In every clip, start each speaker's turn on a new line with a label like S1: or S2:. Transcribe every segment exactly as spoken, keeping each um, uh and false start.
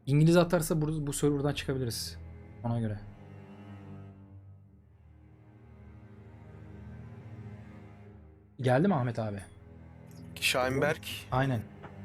S1: İngiliz atarsa bu, bu serverdan çıkabiliriz. Ona göre. Geldi mi Ahmet abi?
S2: Şahinberg.
S1: Aynen.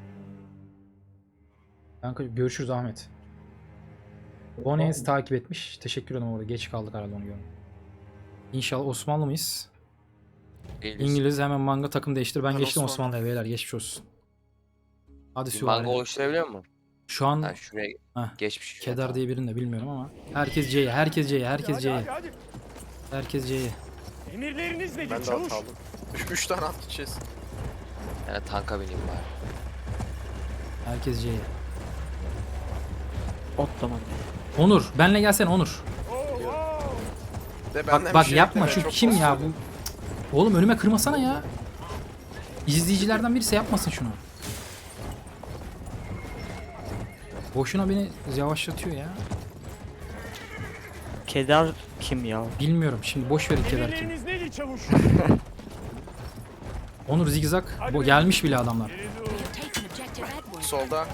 S1: Kanka görüşürüz Ahmet. Bones takip etmiş. Teşekkür ederim orada. Geç kaldık herhalde onu görmek. İnşallah Osmanlı mıyız?
S3: Değiliz.
S1: İngiliz hemen manga takım değiştir. Ben
S2: Ben
S1: geçtim
S2: Osmanlı.
S1: Osmanlı'ya beyler geçmiş olsun. Hadi
S3: Bir
S1: süvari.
S3: manga oluşturabiliyor musun?
S1: Şu an
S3: Ha şuraya
S1: Heh,
S3: geçmiş.
S1: Kedar diye birini de bilmiyorum ama. Herkes C'ye, herkes C'ye, herkes C'ye.
S4: Hadi, hadi.
S1: Herkes C'ye.
S4: Emirleriniz nedir
S2: Ben de
S4: çavuş?
S2: at aldım. Üç, üç tane at gideceğiz.
S3: Yani tanka bineyim bari.
S1: Herkes C'ye.
S5: Ot tamam.
S1: Onur, benle gelsene Onur.
S4: Oo, wow.
S2: De benden
S1: Bak
S2: bir
S1: bak
S2: şey
S1: yapma
S2: bekleme,
S1: şu
S2: çok
S1: kim ya
S2: bozuyor.
S1: bu? Oğlum önüme kırmasana ya. İzleyicilerden birisi yapmasın şunu. Boşuna beni yavaşlatıyor ya.
S5: Kedar kim ya?
S1: Bilmiyorum şimdi boş verin Kedar kim.
S4: Emirleriniz nedir çavuş?
S1: Onur zigzag. Bu gelmiş bile adamlar.
S4: Geri dur.
S6: Taken objective Edward.
S2: Solda.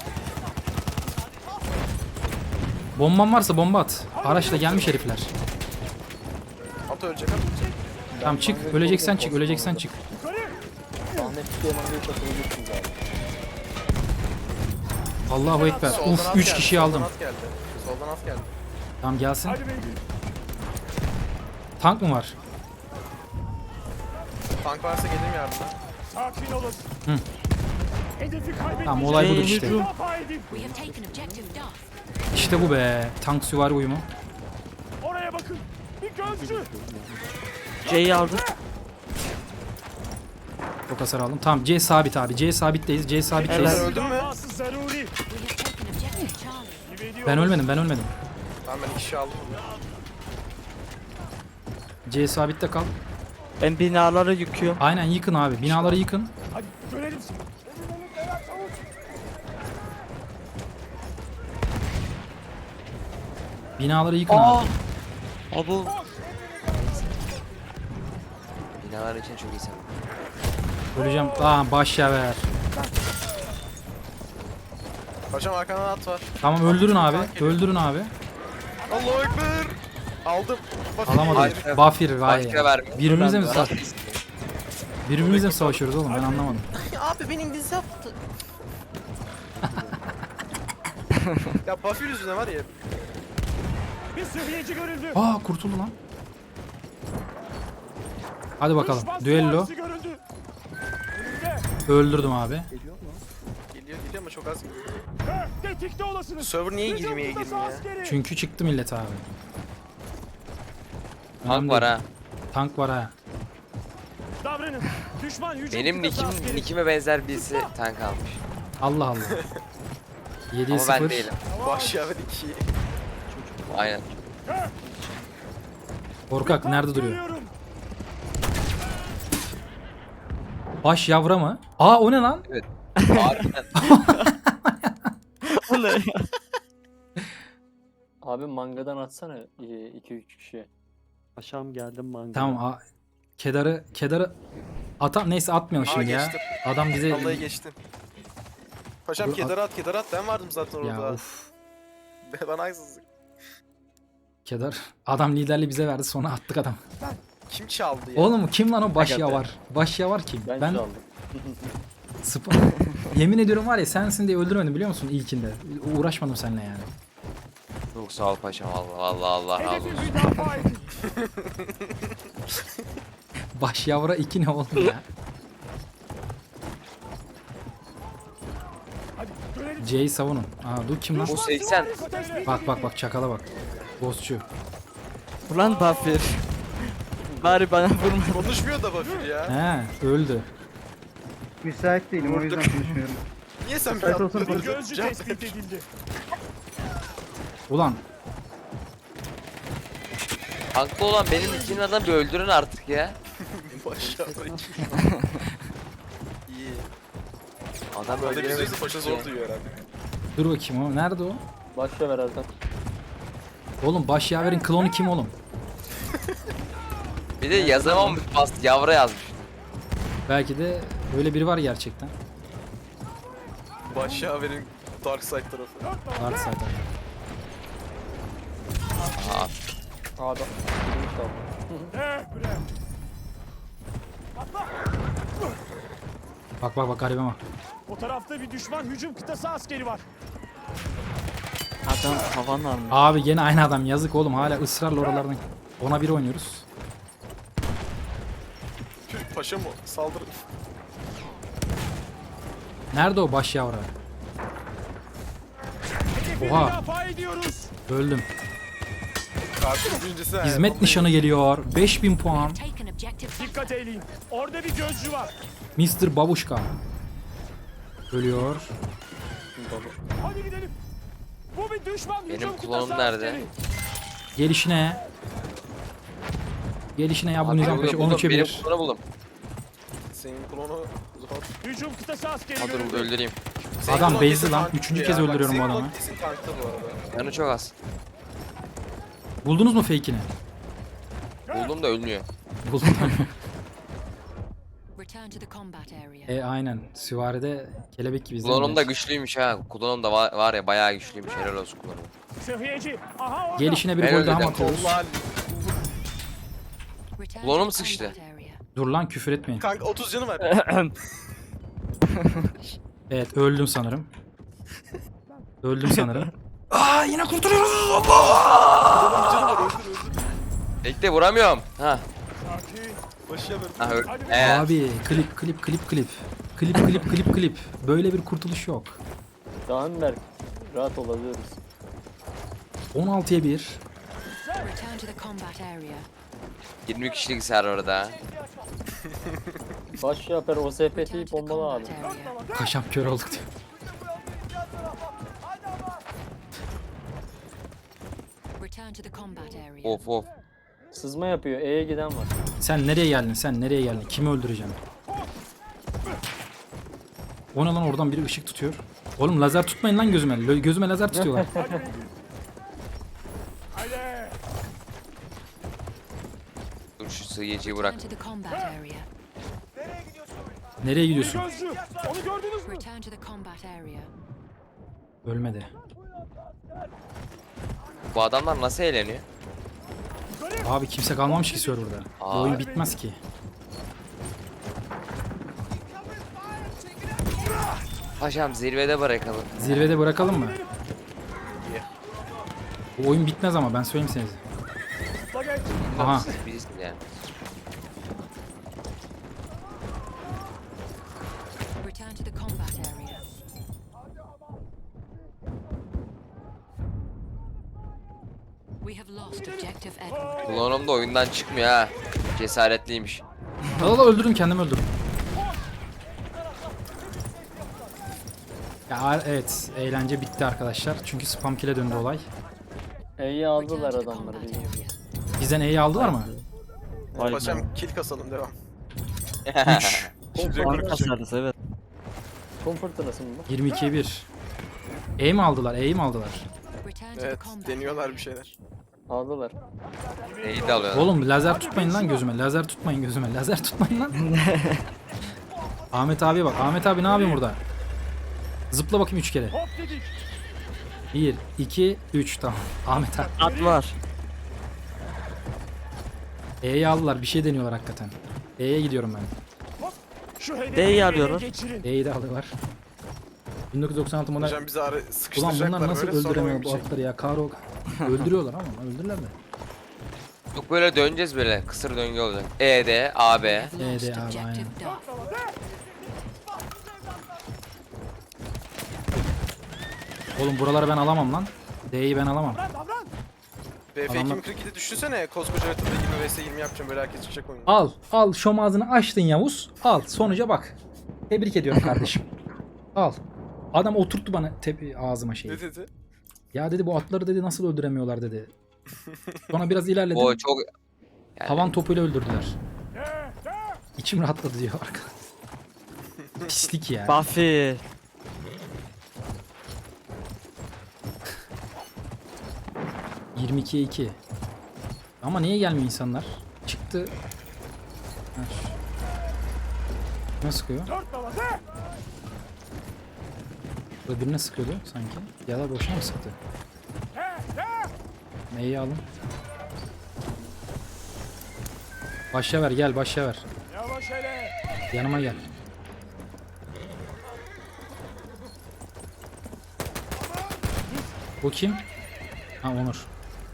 S1: Bomban varsa bomba at. Araçla gelmiş herifler.
S2: At ölecek at ölecek.
S1: Tamam çık. Öleceksen çık. Öleceksen çık.
S4: Yukarı.
S1: Allahu ekber.
S2: Soldan
S1: Uf
S2: at
S1: üç
S2: geldi,
S1: kişiyi
S2: soldan
S1: aldım.
S2: At geldi. Soldan at geldi.
S1: Tamam gelsin.
S4: Hadi beyler.
S1: Tank mı var?
S2: Tank varsa geleyim yardıma.
S4: Sakin olun.
S1: Hı.
S4: Hedefi kaybetmeyeceğiz.
S1: Tamam olay budur
S5: Şey,
S1: işte.
S5: hücum.
S4: Müdafaa edin.
S6: We have taken objective Duff.
S1: İşte bu be. Tank süvari uyumu.
S4: Oraya bakın. Bir gözcü.
S5: C'yi aldım.
S1: Çok hasar aldım. Tamam C sabit abi. C sabitteyiz. C
S2: Ben
S1: sabitteyiz.
S5: Evet.
S2: öldüm mü?
S4: Müdafası zaruri.
S6: We have taken objective Charlie.
S4: Gibi ediyor.
S1: Ben ölmedim. Ben ölmedim.
S2: Tamam ben iki kişi aldım.
S1: C sabitte kal.
S5: Ben binaları yıkıyorum.
S1: Aynen yıkın abi. Binaları yıkın.
S4: Hadi görelim seni. Emirleriniz neler çavuş?
S1: Binaları yıkın
S5: Aa!
S1: abi.
S5: Abi
S3: Binalar için çok iyisin.
S1: Öleceğim. Aa baş ver.
S2: Paşam arkadan at var.
S1: Tamam öldürün abi.
S2: Tank geliyor.
S1: Öldürün abi.
S2: Allahu ekber. Aldım. Bak,
S1: Alamadım.
S3: Başka-
S1: Bafir vay
S3: Başka
S1: ya.
S3: vermiyor.
S1: Birbirimizle mi,
S3: Ben-
S1: sa birbirimizle mi savaşıyoruz oğlum ben anlamadım.
S2: Abi beni İngiliz yaptı. Ya Buffy yüzüne var ya.
S4: Bir seviyeci görüldü.
S1: Aa kurtuldu lan. Hadi bakalım.
S4: Düşman
S1: Düello.
S4: süvarisi görüldü. Önünde.
S1: Öldürdüm abi.
S2: Geliyor geliyor ama çok az geliyor.
S4: Ha, tetikte olasınız.
S2: Server niye
S4: Hücum
S2: girmeye
S4: kıtası
S2: girmiyor ya?
S4: askeri.
S1: Çünkü çıktı millet abi.
S3: Tank
S1: Önemli
S3: var
S1: değil.
S3: ha.
S1: Tank var ha.
S4: Davranın. Düşman hücum
S3: Benim
S4: kıtası
S3: nikim,
S4: askeri.
S3: nikime benzer birisi tank almış.
S1: Allah Allah. yediye
S3: Ama ben
S1: sıfır.
S3: değilim.
S2: Baş ya iki.
S3: Aynen.
S1: Korkak nerede duruyor?
S4: Görüyorum.
S1: Baş yavra mı? Aa o ne lan?
S3: Harbiden.
S5: o ne ya?
S7: Abi mangadan atsana iki üç kişiye.
S5: Paşam geldim manga.
S1: Tamam a Kedar'ı Kedar'ı ata neyse atmayalım
S2: Aa,
S1: şimdi ya.
S2: geçtim.
S1: Adam bize
S2: Vallahi geçtim. Paşam
S1: Dur,
S2: kedar at kedar at ben vardım zaten
S1: ya
S2: orada.
S1: of.
S2: Bana haksızlık.
S1: Kedar adam liderliği bize verdi sonra attık adam.
S2: Kim çaldı ya?
S1: Oğlum kim lan o baş
S5: Hakikaten.
S1: yavar? Baş yavar kim?
S7: Ben,
S1: Ben
S7: çaldım.
S1: Sp- Yemin ediyorum var ya sensin diye öldürmedim biliyor musun ilkinde. Uğraşmadım seninle yani.
S3: Çok sağ ol paşam. Allah Allah Allah razı
S4: Hedefi
S3: olsun.
S4: müdafaa edin.
S1: Baş yavra iki ne oğlum ya?
S4: Hadi görelim.
S1: C'yi savunun. Aa dur kim lan?
S3: Bu seksen.
S1: Bak bak bak çakala bak. Ghostçu.
S5: Ulan Bafir. Bari bana vurma.
S2: Konuşmuyor da Buffy ya.
S1: He öldü.
S8: Müsait değilim o yüzden konuşmuyorum.
S2: Niye sen bir
S8: Müsait olsam
S2: atladın?
S4: Bir gözcü
S2: Cevap
S4: tespit edildi.
S1: Ulan
S3: Tanklı olan benim ikinin adamı bir öldürün artık ya.
S2: Baş ya iki. İyi.
S3: Adam
S2: Orada bir
S3: öldüremedik.
S2: sözü paşa zor duyuyor herhalde.
S1: dur bakayım o. Nerede o?
S7: Başla ver Ertan.
S1: Oğlum baş yaverin klonu kim oğlum?
S3: Bir de yazamamış bas yavra yazmış.
S1: Belki de öyle biri var gerçekten.
S2: Baş ya verin Dark Side tarafı.
S4: Dört baba.
S1: Dark side.
S3: Aa,
S7: Aa da. Girmiş kaldı.
S4: Eh bre.
S1: Bak bak bak garibe bak.
S4: O tarafta bir düşman hücum kıtası askeri var.
S5: Adam havan almış.
S1: Abi gene aynı adam yazık oğlum hala ısrarla oralardan. Ona bir oynuyoruz.
S2: Türk paşa mı? Saldırın.
S1: Nerede o baş yavru?
S4: Hedefi
S1: Oha.
S4: müdafaa ediyoruz.
S1: Öldüm.
S2: Artık birincisi. he,
S1: Hizmet
S2: vallahi.
S1: nişanı geliyor. beş bin puan.
S6: Taken objective.
S4: Dikkat eyleyin. Orada bir gözcü var.
S1: mister Babuşka. Ölüyor.
S4: Hadi gidelim. Bu bir düşman
S3: Benim
S4: hücum
S3: klonum
S4: kıtası
S3: nerede?
S4: askeri.
S1: Gelişine. Gelişine ya bu
S3: abi
S1: nizam
S3: buldum,
S1: peşi
S3: buldum,
S1: on üçe
S3: benim
S1: bir.
S3: klonu buldum.
S2: Senin klonu zor.
S4: Hücum kıtası askeri
S3: Ha dur
S4: görüldü.
S3: öldüreyim.
S2: Senin
S1: Adam
S2: klon
S1: bezdi
S2: kesin
S1: lan.
S2: tankta
S1: Üçüncü
S2: ya.
S1: kez
S2: Bak,
S1: öldürüyorum
S2: senin
S1: bu
S2: klon
S1: adamı.
S2: Kesin tankta bu arada.
S3: Canı çok az.
S1: Buldunuz mu fake'ini?
S3: Buldum da ölmüyor.
S1: Buldum.
S6: Return to the combat area.
S1: e aynen. Süvaride kelebek gibi
S3: Klonum da
S1: izlemiyoruz.
S3: güçlüymüş ha. Klonum da var, var ya bayağı güçlüymüş. Helal olsun klonum.
S4: Sıhhiyeci. Aha orada.
S1: Gelişine bir
S3: Ben
S1: gol daha mı
S3: öldüm.
S1: atıyoruz?
S2: Kollar.
S6: Return
S3: Klonum
S6: to the
S3: sıkıştı.
S6: combat area.
S1: Dur lan küfür etmeyin.
S2: Kanka otuz canı var.
S1: Evet öldüm sanırım. Öldüm sanırım. Aa yine kurtuluyoruz. Allah!
S3: Bekle vuramıyorum. Ha.
S4: Sakin.
S2: Başıya ver.
S3: Ha öl.
S4: Hadi be.
S3: Ee,
S1: Abi klip klip klip klip. Klip klip klip klip. Böyle bir kurtuluş yok.
S7: Dağınberk. Rahat olabiliyoruz.
S1: on altıya bir.
S6: Return to the combat area.
S3: yirmi kişilik server orada.
S7: Baş yaper O S P
S6: Return
S7: T'yi
S6: to the
S7: bombalı abi.
S6: combat area.
S1: Kaşam kör olduk diyor.
S6: Return to the combat area.
S3: Of of.
S7: Sızma yapıyor. E'ye giden var.
S1: Sen nereye geldin? Sen nereye geldin? Kimi öldüreceğim? O ne lan oradan biri ışık tutuyor. Oğlum lazer tutmayın lan gözüme. Lö- Gözüme lazer tutuyorlar.
S4: Hadi.
S3: Dur şu sıyıcıyı
S6: Return
S3: bırak.
S6: to the combat area.
S1: Nereye
S4: Bir
S1: gidiyorsun?
S4: gözcü. Onu gördünüz mü?
S6: Return to the combat area.
S1: Ölmedi.
S3: Bu adamlar nasıl eğleniyor?
S1: Abi kimse kalmamış ki serverda. Bu
S3: Aa.
S1: oyun bitmez ki.
S3: Paşam zirvede bırakalım.
S1: Zirvede bırakalım mı? Bu oyun bitmez ama ben söyleyeyim size.
S4: Bak geç.
S1: Aha.
S3: Biz yani.
S6: Return to the combat area. We have lost objective Edward.
S3: Klonum da oyundan çıkmıyor ha. Cesaretliymiş.
S1: Allah öldürdüm kendimi öldürdüm. Ya evet eğlence bitti arkadaşlar. Çünkü spam kill'e döndü olay.
S7: E'yi
S6: Return
S7: aldılar
S6: to the
S7: adamları.
S6: combat
S7: bilmiyorum.
S6: area.
S1: Bizden E'yi aldılar mı?
S5: Vay be.
S2: Paşam kill kasalım devam.
S1: üç.
S5: Fark kasarız evet.
S7: Kum fırtınası mı bu?
S1: yirmi ikiye bir. E mi aldılar? E'yi mi aldılar?
S6: Return to the
S2: Evet
S6: combat
S2: deniyorlar
S6: area.
S2: bir şeyler.
S7: Aldılar.
S3: Neyi de alıyor.
S1: Oğlum lazer tutmayın lan gözüme. Lazer tutmayın gözüme. Lazer tutmayın lan. Ahmet abi bak. Ahmet abi ne yapıyorsun burada? Zıpla bakayım üç kere.
S4: Hop dedik.
S1: bir, iki, üç tamam. Ahmet abi.
S5: At var.
S1: E'yi aldılar. Bir şey deniyorlar hakikaten. E'ye gidiyorum ben.
S4: Şu hedefi
S5: D'yi
S4: ele
S5: alıyorlar.
S4: geçirin.
S1: E'yi de alıyorlar. bin dokuz yüz doksan altı model.
S2: Hocam bizi ara
S1: Ulan
S2: sıkıştıracaklar
S1: bunlar nasıl
S2: böyle sonra
S1: öldüremiyor
S2: oyun
S1: bu
S2: bitecek.
S1: atları ya? Karo öldürüyorlar ama öldürürler mi?
S3: Yok böyle döneceğiz böyle. Kısır döngü olacak. E'de, A B.
S6: We have
S1: Evet,
S6: lost
S1: abi,
S6: objective
S1: aynen.
S6: Duff.
S1: Oğlum buraları ben alamam lan. D'yi ben alamam.
S4: Davran davran.
S2: B F
S1: Adamlar-
S2: iki bin kırk yedi düşünsene koskoca haritada yirmi vs yirmi yapacağım böyle herkes çıkacak oyunu.
S1: Al, al şom ağzını açtın Yavuz. Al, sonuca bak. Tebrik ediyorum kardeşim. Al. Adam oturttu bana tepi ağzıma şeyi.
S2: Ne dedi?
S1: Ya dedi bu atları dedi nasıl öldüremiyorlar dedi. Sonra biraz ilerledim.
S3: O çok... Yani
S1: Havan topuyla öldürdüler.
S4: De, de.
S1: İçim rahatladı diyor arka. Pislik ya.
S5: Buffy.
S1: yirmi ikiye iki. Ama niye gelmiyor insanlar? Çıktı. Ha, şu- Ne sıkıyor?
S4: Dört baba de.
S1: Burada birine sıkıyordu sanki. Ya da boşuna mı sıktı? Neyi alın? Başla ver gel başla ver.
S4: Yavaş hele.
S1: Yanıma gel. Bu kim? Ha Onur.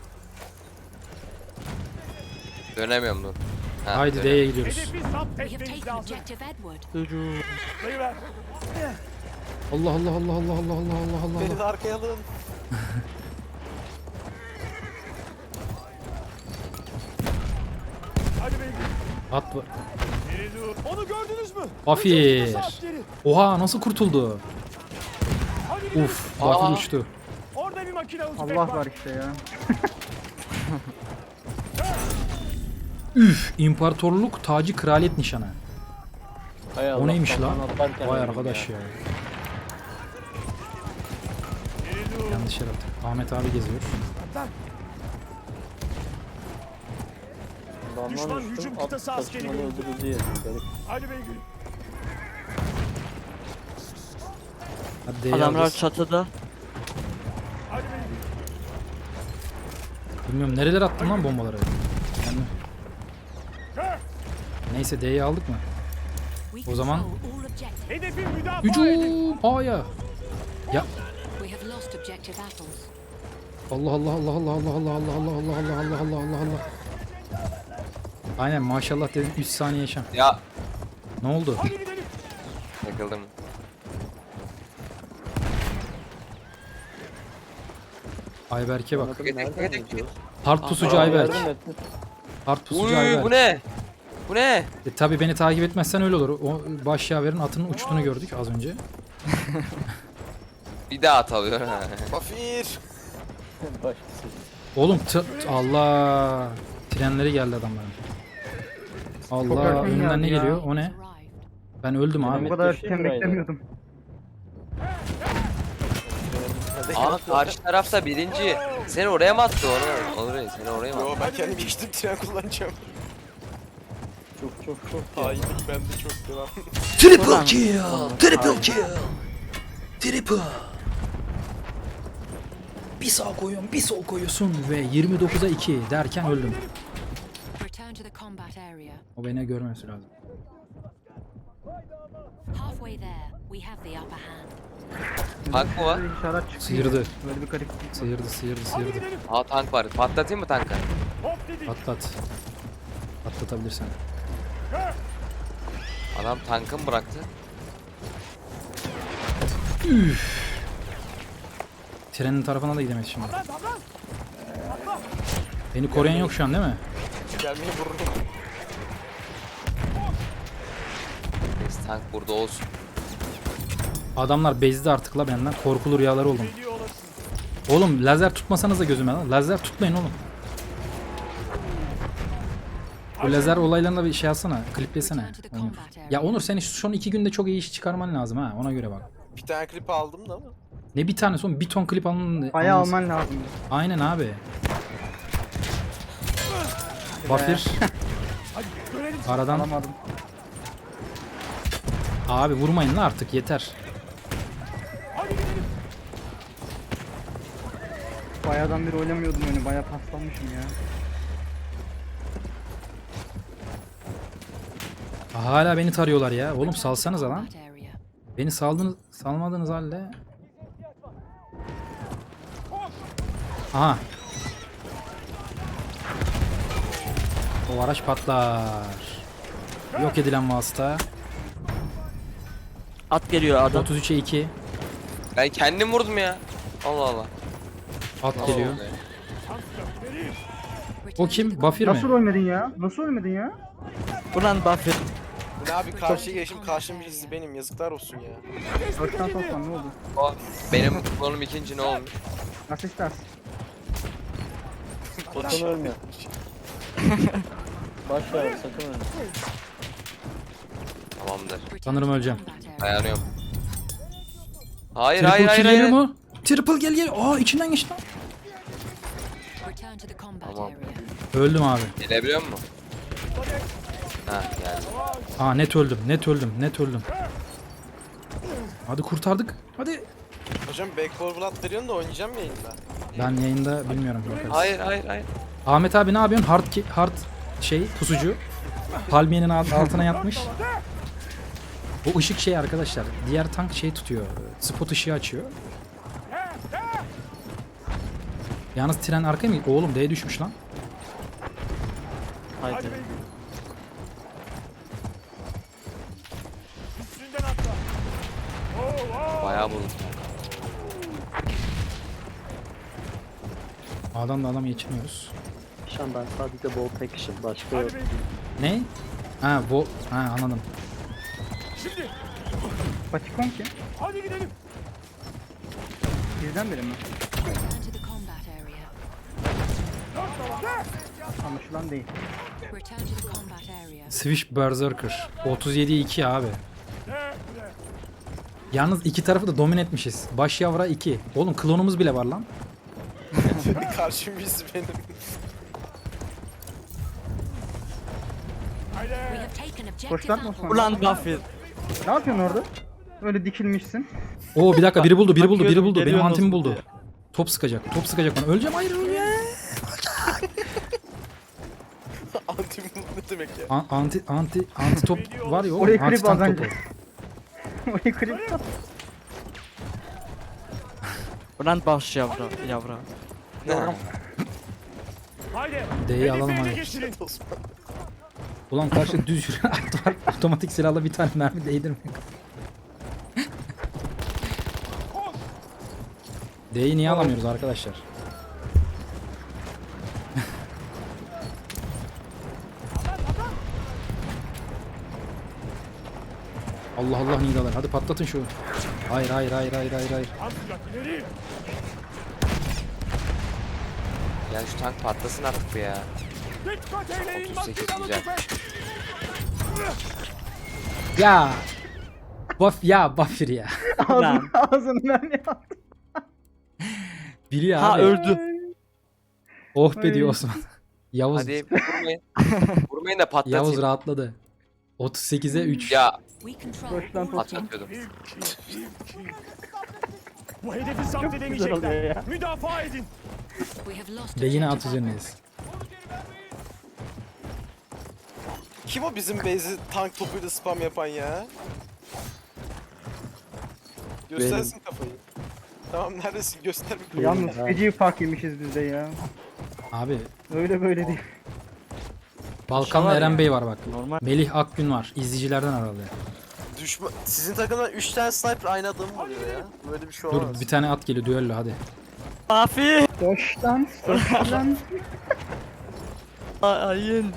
S3: Dönemiyorum dur. Ha,
S1: Haydi
S3: dönüyorum.
S1: D'ye gidiyoruz.
S4: Hedefi zapt
S6: We have
S4: etmemiz
S6: taken
S4: lazım.
S6: objective Edward.
S4: Dayı ver.
S1: Allah Allah Allah Allah Allah Allah Allah
S2: Beni
S1: Allah.
S2: de arkaya alın.
S4: Hadi beyim.
S1: At bu.
S4: Geri dur. Onu gördünüz mü?
S1: Bafir.
S4: Hücum kıtası askeri.
S1: Oha nasıl kurtuldu?
S4: Hadi gidelim.
S1: Uf, Bafir
S3: Aa.
S1: uçtu.
S4: Orada bir makinalı tüfek
S8: Allah var işte ya.
S1: Üf, imparatorluk tacı kraliyet nişanı.
S7: Hay Allah,
S1: O neymiş lan?
S7: kafana atlarken
S1: Vay
S7: öldüm
S1: arkadaş ya. Yanlış yer attık. Ahmet abi geziyor.
S7: Damlan
S4: Düşman
S7: düştüm,
S4: hücum
S7: at
S4: kıtası askeri
S7: taşımalı
S4: görüldü.
S7: öldürüldü yedim. Garip.
S4: Hadi beygül.
S1: Hadi D'yi
S5: Adamlar
S1: alacağız.
S5: çatıda.
S4: Hadi beygül.
S1: Bilmiyorum nerelere attım lan bombaları. Yani... Neyse D'yi aldık mı?
S6: We
S1: O zaman-
S6: control all objectives.
S4: Hedefi müdafaa edin.
S1: Hücum! A'ya. Ya
S6: We have lost objective apples.
S1: Allah Allah Allah Allah Allah Allah Allah Allah Allah Allah Allah Allah Allah Allah. Aynen maşallah dedim üç saniye yaşam.
S3: Ya
S1: Ne oldu?
S4: Hadi gidelim.
S3: takıldım.
S1: Ayberk'e bak.
S7: Bakın nereden gidiyor?
S1: Hard pusucu
S7: Aa,
S1: Ayberk.
S7: yardım ettin.
S1: Hard pusucu
S3: Uy
S1: Ayberk.
S3: bu ne? Bu ne?
S1: E, tabii beni takip etmezsen öyle olur. O baş yaverin atının uçtuğunu gördük az önce.
S3: Bir daha at alıyor. ha.
S2: Bafir.
S7: Başkası.
S1: Oğlum t- Allah. Trenleri geldi adamların. Allah
S8: erken
S1: önümden ne
S8: geldi ya.
S1: geliyor? O ne?
S6: Arrived.
S1: Ben öldüm
S8: Ben
S1: abi.
S8: bu kadar
S7: Düşeyim
S8: erken
S7: burayı da.
S8: beklemiyordum.
S3: Aa karşı tarafta birinci. Seni oraya mı attı onu? Oraya seni oraya mı
S2: Yo
S3: attı?
S2: ben kendim geçtim tren kullanacağım.
S7: Çok çok çok.
S2: Hainlik bende çok devam.
S1: Triple kill! Triple kill! Triple! Bir sağ koyuyorsun, bir sol koyuyorsun ve yirmi dokuza iki derken öldüm.
S6: Return to the combat area.
S1: O beni görmemesi lazım.
S6: Halfway there, we have the upper hand.
S3: Tank mı var?
S8: Böyle işaret çıkıyor.
S1: Sıyırdı.
S8: Böyle bir gariplik var.
S1: Sıyırdı, sıyırdı,
S4: Hadi
S1: sıyırdı.
S4: gidelim.
S3: Aa tank var. Patlatayım mı tankı?
S4: Hop dedik.
S1: Atlat. Atlatabilirsen.
S3: Adam tankı mı bıraktı?
S1: Trenin tarafına da gidemeyiz şimdi.
S4: Lan lan lan.
S1: Beni koruyan yok şu an değil mi?
S2: Gelmeyi vururum.
S3: Neyse tank burada olsun.
S1: Adamlar bezdi artık la benden. Korkulu rüyaları oldum.
S4: Geliyor olasın.
S1: Oğlum lazer tutmasanız da gözüme lan. Lazer tutmayın oğlum. O lazer olaylarına bir şey alsana. Kliplesene. Onur. Ya Onur sen şu son iki günde çok iyi iş çıkarman lazım ha. Ona göre bak.
S2: Bir tane klip aldım da ama.
S1: Ne bir tane son bir ton klip alın.
S8: Bayağı
S1: alınız-
S8: alman lazım.
S1: Aynen abi. Bafir
S4: Hadi görelim.
S1: aradan
S8: Alamadım.
S1: abi vurmayın la artık yeter.
S4: Hadi gidelim.
S8: Bayağıdan beri oynamıyordum oyunu. Bayağı paslanmışım ya.
S1: Hala beni tarıyorlar ya. Oğlum salsanız lan.
S6: Combat area.
S1: Beni saldınız, salmadığınız halde. Aha. O araç patlar. Yok edilen vasıta.
S5: At geliyor adam.
S1: otuz üçe iki.
S3: Ben kendim vurdum ya. Allah Allah.
S1: At geliyor.
S3: Allah.
S1: O
S6: Return to
S1: kim?
S6: the
S1: Bafir mi?
S8: Nasıl ölmedin ya? Nasıl ölmedin ya?
S5: Buradan Buffett.
S2: Bu ne abi karşıya geçim karşım birisi benim yazıklar olsun ya.
S8: Dörtten toplam ne oldu?
S3: O, benim klonum ikinci ne olmuş?
S8: Nasıl istersin?
S7: Sakın ölme. Baş ver sakın ölme.
S3: Tamamdır.
S6: Return
S1: Sanırım
S6: to the
S1: öleceğim.
S6: combat area.
S3: Dayanıyorum. Hayır
S1: Triple
S3: hayır hayır
S1: kill geliyor
S3: hayır.
S1: mu? Triple gel gel. Aa içinden geçti lan.
S6: Return to the combat
S3: Tamam.
S6: area.
S1: Öldüm abi.
S3: Gelebiliyor musun? Ha geldi.
S1: Aa net öldüm. Net öldüm. Net öldüm. Hadi kurtardık. Hadi.
S2: Hocam Backball Blood veriyorsun da oynayacağım mı yayında?
S1: Ben yayında bilmiyorum. Bakarız.
S3: Hayır hayır hayır.
S1: Ahmet abi ne yapıyorsun? Hard, ki- hard şey pusucu. Palmiyenin alt- altına yatmış. Bu ışık şey arkadaşlar. Diğer tank şey tutuyor. Spot ışığı açıyor. Yalnız tren arkaya mı? Oğlum D'ye düşmüş lan.
S5: Haydi.
S4: Hadi beygir. Üstünden atla. Oo, oo.
S3: Bayağı buldum.
S1: A'dan da adam geçirmiyoruz.
S7: Şu an ben sadece bolt action başka yok.
S4: Hadi beygir.
S1: Ne? Ha bu. Ha anladım.
S4: Şimdi.
S8: Patikon ki.
S4: Hadi gidelim.
S8: Bizden biri mi?
S6: Return to the combat area.
S4: Dört tava.
S8: Anlaşılan değil.
S6: Return to the combat area.
S1: Swish Berserker. otuz yediye iki abi.
S4: Ne? Ne?
S1: Yalnız iki tarafı da domine etmişiz. Baş yavra iki. Oğlum klonumuz bile var lan.
S2: Karşım biz benim.
S6: We
S4: Haydi.
S6: have taken objective
S8: Koşlar mı
S6: Apple.
S8: Osman?
S5: Ulan Buffy.
S8: Ne yapıyorsun orada? Öyle dikilmişsin.
S1: Oo bir dakika biri buldu biri buldu biri
S5: Bakıyorum,
S1: buldu. Benim
S5: geliyor
S1: antimi
S5: nasıl
S1: buldu.
S5: diye.
S1: Top sıkacak. Top sıkacak bana. Öleceğim hayır öleceğim.
S2: Anti ne demek ya?
S1: A- anti anti anti top var ya oğlum.
S8: Orayı
S1: Anti
S8: klip
S1: tank
S8: az
S1: topu.
S8: önce. Orayı klip at.
S5: Ulan baş yavra yavra.
S4: Haydi.
S1: D'yi alalım
S4: Hedefe ele
S1: hadi.
S4: geçirin.
S2: Osman.
S1: Ulan karşı düz yürü at var. Otomatik silahla bir tane mermi değdirmiyor. D'yi niye alamıyoruz arkadaşlar? Allah Allah nidalar. Hadi patlatın şu. Hayır hayır hayır hayır hayır hayır.
S4: Amcak ileri.
S3: Ya şu tank patlasın artık bu ya.
S4: Dikkat eyleyin.
S3: otuz sekiz
S4: makinalı
S3: güzel.
S4: tüfek.
S1: Ya. Buff ya Buffir ya.
S8: Ağzını, ağzını mermi attı.
S1: Biri ya
S5: Ha
S1: abi.
S5: öldü.
S1: Oh be diyor
S8: Ay.
S1: Osman. Yavuz.
S3: Hadi vurmayın. Vurmayın da
S1: Yavuz
S3: patlatayım.
S1: rahatladı. otuz sekize üç.
S3: Ya
S6: We control
S8: Koş lan
S6: all
S8: Osman.
S3: patlatıyordum.
S4: Bu hedefi zapt
S8: Çok güzel oluyor
S4: edemeyecekler.
S8: ya.
S4: Müdafaa edin.
S6: We have lost
S1: Ve yine at
S6: objective Apple.
S1: üzerindeyiz.
S2: Kim o bizim base'i tank topuyla spam yapan ya? Göstersin kafayı. Tamam neredesin göster bir
S8: Yalnız feci fark yemişiz biz de ya.
S1: Abi
S8: Öyle böyle değil.
S1: Balkanlı
S5: var
S1: Eren
S5: ya.
S1: Bey var bak.
S5: Normal.
S1: Melih Akgün var. İzleyicilerden herhalde.
S2: düşman. Sizin takımdan üç tane sniper aynı adamı vuruyor ya. Böyle bir şey
S1: Dur
S2: olamaz.
S1: bir tane at geliyor düello hadi.
S5: Buffy.
S8: Koş lan. Koş lan.
S5: Ayın.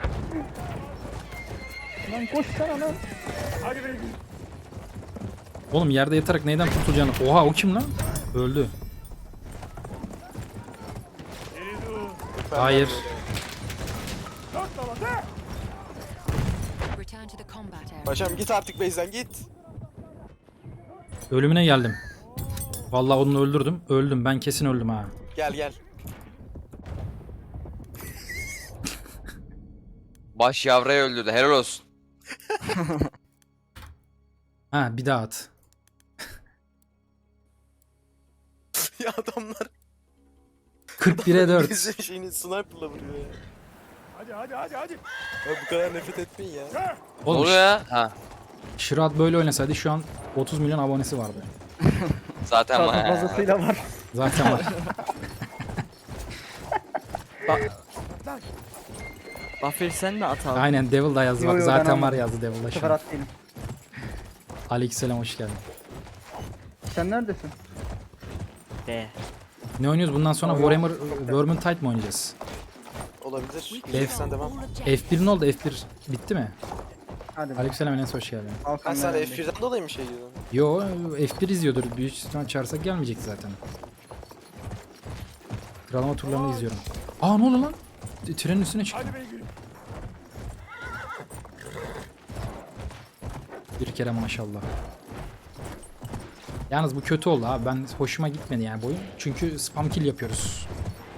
S8: Lan koş sana lan.
S4: Hadi beygir.
S1: Oğlum yerde yatarak neyden kurtulacağını. Oha o kim lan? Öldü.
S4: Geri dur.
S1: Hayır.
S4: Dört tava. De.
S6: Return to the combat area.
S2: Paşam git artık base'den git.
S1: Ölümüne geldim. Vallahi onu öldürdüm. Öldüm. Ben kesin öldüm ha.
S2: Gel gel.
S3: Baş yavrayı öldürdü. Helal olsun.
S1: Ha bir daha at.
S2: ya adamlar
S1: kırk bire dört.
S2: bizim şeyini sniper'la vuruyor ya.
S4: Hadi hadi hadi hadi.
S2: Ya bu kadar nefret etmeyin ya.
S4: De.
S3: Ne
S1: Oğlum
S3: oluyor ya? Ha.
S1: Şirat böyle oynasaydı şu an otuz milyon abonesi vardı.
S3: Zaten
S8: Daha
S3: var.
S8: fazlasıyla var.
S1: Zaten var.
S5: Buffy sen de at abi.
S1: Aynen Devil da yazdı
S8: Yo,
S1: bak.
S8: yo, ben
S1: Zaten var
S8: anladım.
S1: yazdı Devil da
S8: Bu
S1: şu
S8: sefer
S1: an.
S8: at değilim.
S1: Aleykümselam hoş geldin.
S8: Sen neredesin?
S5: Be.
S1: Ne oynuyoruz bundan sonra? Warhammer Vermintide mi oynayacağız?
S2: Olabilir.
S1: F-
S2: Sen devam.
S6: All objectives.
S1: F bir ne oldu? F bir bitti mi?
S8: Hadi be.
S1: Aleykümselam Enes hoş geldin.
S2: Ben
S8: Alkan
S2: sen
S8: nerede?
S2: F birden dolayı mı şey diyordun?
S1: Yo F bir izliyordur. Büyük ihtimal çağırsak gelmeyecek zaten. Kralama turlarını izliyorum. Aa ne oldu lan? T- Trenin üstüne çıktı.
S4: Hadi beygir.
S1: Bir kere maşallah. Yalnız bu kötü oldu abi. Ben hoşuma gitmedi yani bu oyun. Çünkü spam kill yapıyoruz.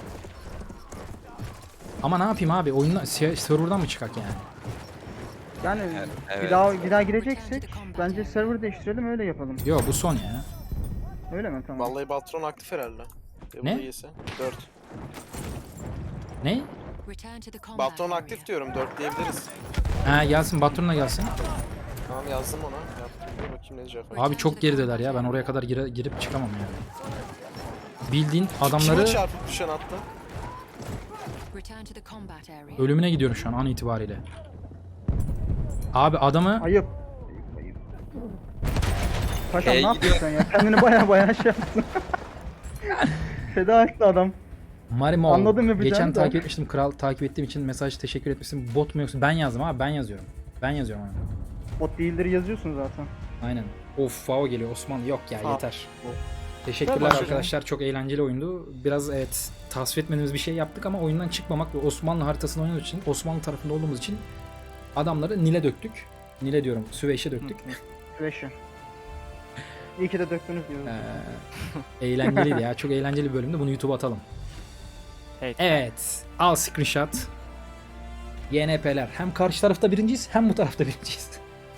S1: Ama ne yapayım abi? Oyundan se- serverdan mı çıkak yani?
S8: Yani
S3: evet.
S8: bir daha bir daha gireceksek bence server değiştirelim öyle yapalım.
S1: Yo bu son ya.
S8: Öyle mi? Tamam.
S2: Vallahi Baltron aktif herhalde. Ya bu
S1: Ne?
S2: da iyisi. dört.
S1: Ne?
S6: Return to the combat
S2: Baltron
S6: area.
S2: aktif diyorum. dört diyebiliriz.
S1: Ha gelsin Batron'la gelsin.
S2: Tamam yazdım ona. Yaptım. Dur bakayım ne diyecek.
S1: Abi çok gerideler ya. Ben oraya kadar gire- girip çıkamam yani. Bildiğin
S2: Kime
S1: adamları
S2: çarpıp düşen attı?
S6: Return to the combat area.
S1: ölümüne gidiyorum şu an an itibariyle. Abi adamı
S8: Ayıp. Ayıp, ayıp. Paşam
S3: Ee,
S8: ne yapıyorsun sen ya? Kendini baya baya şey yaptın. Feda etti adam.
S1: Marimo
S8: Anladım yapacağını
S1: geçen
S8: da.
S1: takip etmiştim. Kral takip ettiğim için mesaj teşekkür etmişsin. Bot mu yoksa ben yazdım abi ben yazıyorum. Ben yazıyorum abi.
S8: Bot değildir yazıyorsun zaten.
S1: Aynen. Of Fao geliyor Osman. Yok ya
S5: Fa-
S1: yeter. Teşekkürler
S8: Başlayalım.
S1: arkadaşlar. Çok eğlenceli oyundu. Biraz evet tasvip etmediğimiz bir şey yaptık ama oyundan çıkmamak ve Osmanlı haritasını oynadığımız için Osmanlı tarafında olduğumuz için adamları Nil'e döktük. Nil'e diyorum Süveyş'e döktük.
S8: Süveyş'i. İyi ki de döktünüz diyoruz.
S1: Ee, eğlenceliydi ya. Çok eğlenceli bir bölümdü. Bunu YouTube'a atalım.
S5: Evet.
S1: Evet. Al screenshot. Y N P'ler. Hem karşı tarafta birinciyiz hem bu tarafta birinciyiz.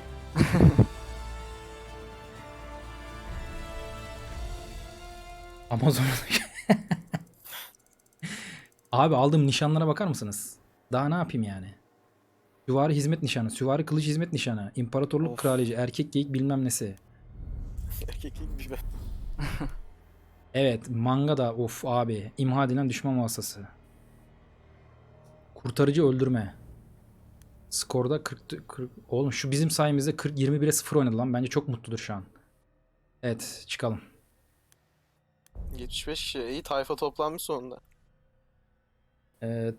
S1: Amazon. Abi aldığım nişanlara bakar mısınız? Daha ne yapayım yani? Süvari hizmet nişanı, süvari kılıç hizmet nişanı, imparatorluk
S5: Of.
S1: kraliçe, erkek geyik bilmem nesi.
S2: Erkeklik bir be.
S1: Evet, manga da of abi. İmha edilen düşman vasıtası. Kurtarıcı öldürme. Skorda kırk, kırk oğlum şu bizim sayemizde kırk yirmi bire sıfır oynadı lan. Bence çok mutludur şu an. Evet, çıkalım.
S2: yetmiş beş kişi. İyi tayfa toplanmış sonunda.
S1: Ee,